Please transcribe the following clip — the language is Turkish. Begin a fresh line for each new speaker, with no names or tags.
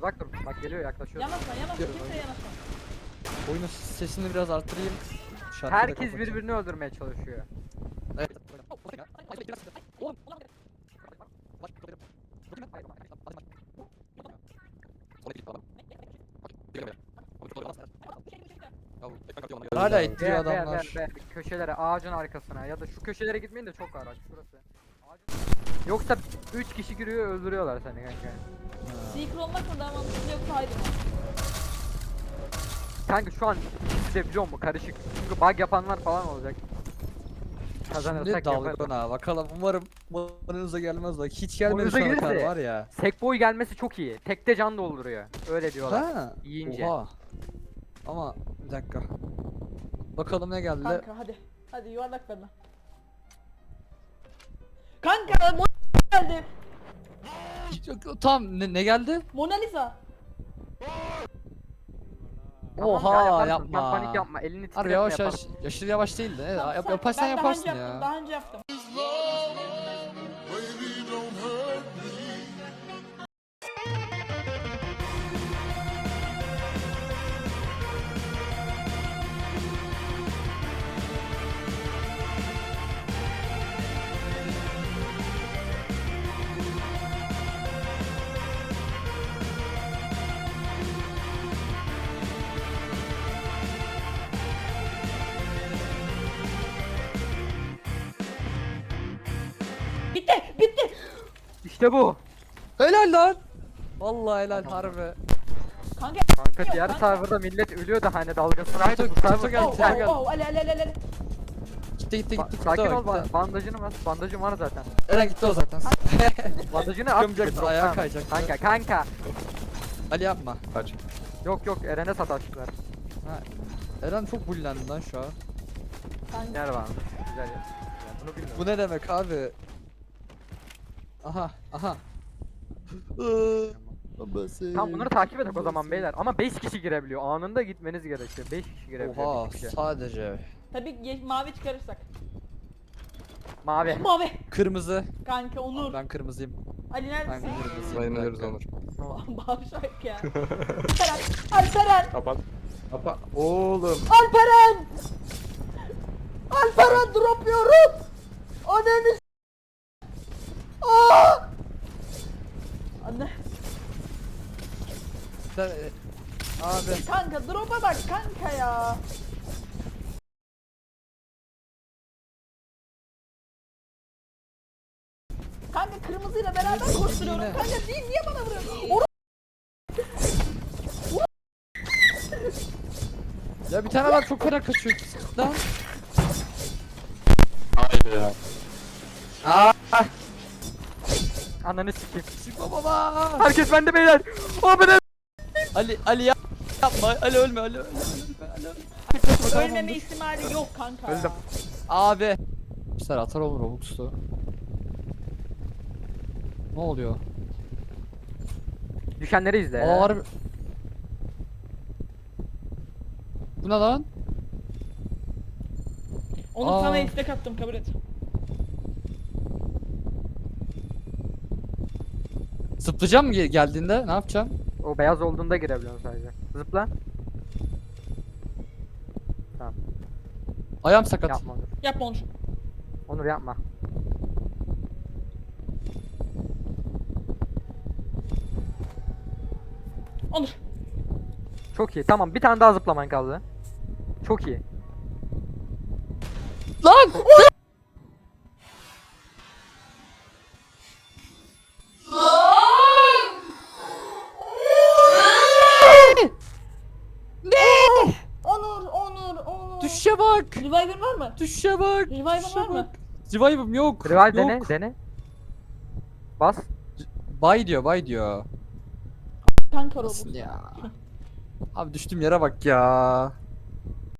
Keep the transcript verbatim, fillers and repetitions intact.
Uzak dur. Bak geliyor, yaklaşıyor.
Yanaşma yanaşma kimseye yanaşma.
Oyunun sesini biraz arttırayım. Şarkıyı da
Herkes
kapatayım.
birbirini öldürmeye çalışıyor.
Evet. Oğlum. Hala ittiriyor
Be, be,
adamlar.
be, be, köşelere, ağacın arkasına ya da şu köşelere gitmeyin de çok araç şurası. Ağacın... Yoksa üç kişi giriyor öldürüyorlar seni kanka.
Seeker olmak mı daha mantıklı yoksa haydi mı?
Kanka şu an ikisi de biliyor musun karışık. Çünkü bug yapanlar falan olacak.
Şimdi
Kazanırsak
dalgona
yaparız.
bakalım umarım bonunuza gelmez bak hiç gelmedi
Bonunuza
şu ana kadar
gelirse-
var ya.
Sekboy gelmesi çok iyi. Tekte can dolduruyor. Öyle diyorlar.
Ha.
Yiyince.
Oha. Ama bir dakika. Bakalım ne geldi.
Kanka hadi. Hadi yuvarlak verme. Kanka Mona geldi.
Tam ne, ne geldi?
Mona Lisa.
Tamam
Oha,
ya, yaparsın.
yapma.
Sen panik yapma. Elini
Harbi
titretme
yavaş yavaş
yaparsın.
aşırı yavaş değil de
Tamam,
yap,
sen-
yaparsan
ben
yaparsın
daha önce
ya.
Yaptım, daha önce yaptım. Bitti bitti.
İşte bu.
Helal lan. Vallahi helal harbi.
Kanka
Kanka
Yok,
diğer
kanka.
serverda millet ölüyor da hani dalgasına
Tutu-
bu
tutu
server
geldi,
oh,
tutu
oh,
geldi.
oh, ale ale ale ale.
Gitti gitti
Ba-
gitti.
sakin
gitti,
ol,
gitti.
ba- bandajını bas. Bandajın var zaten.
Eren gitti o zaten.
Bandajını at.
Çıkamayacaktı,
Tamam.
ayağa kayacaktı.
Kanka kanka.
Ali yapma.
Kaç.
Yok yok Eren'e sataştılar.
Ha. Eren çok bullendi lan şu an.
Kanka.
Yer var. Güzel yer. Yani bunu bilmiyorum.
Bu ne demek abi? Aha aha.
Tamam bunları takip edek o zaman beyler. Ama beş kişi girebiliyor. Anında gitmeniz gerekiyor. beş kişi girebiliyor.
Oha
bir kişi.
sadece.
Tabii ye- mavi çıkarırsak.
Mavi.
Mavi.
Kırmızı.
Kanka Onur.
Ben kırmızıyım.
Ali
Ben
neredesin?
kırmızıyım.
Sayın
Bir
Onur.
dakika.
Bağırsak ya. Alperen. Alperen.
Kapat. Kapat. Oğlum.
Alperen. Alperen drop yiyorum. Ananı s- Aa! Anne.
Sen- e, Abi.
Kanka drop'a bak kanka ya. Kanka kırmızıyla beraber koşturuyorum.
Yine.
Kanka değil niye bana vuruyorsun? Oru-
Ya bir tane var çok fena kaçıyor. Lan.
Haydi ya.
Ananı sikeyim.
Çıkma baba.
Herkes bende beyler. Abi ne?
Ali Ali yap- yapma. Ali ölme Ali ölme. Ali ölme.
Ölmeme ihtimali yok kanka.
Öldüm.
Abi. Sen atar olur Robux'tu. Ne oluyor?
Düşenleri izle.
Aa harbi. Bu ne lan?
Onu
Aa.
sana istek attım kabul et.
Zıplayacağım mı ge- geldiğinde? Ne yapacağım?
O beyaz olduğunda girebiliyorsun sadece. Zıpla.
Ayağım sakat.
Yapma Onur.
Yapma Onur.
Onur yapma.
Onur.
Çok iyi. Tamam bir tane daha zıplaman kaldı. Çok iyi.
Lan!
Onur, Onur, Onur.
Düşüşe bak!
Reviver var mı?
Düşüşe bak!
Reviver
düşüşe
var mı?
bak. Revive'ım yok.
Revive
yok.
dene dene. Bas.
Bay diyor, bay diyor.
Kanka
Nasıl
robot.
ya? Abi düştüğüm yere bak ya.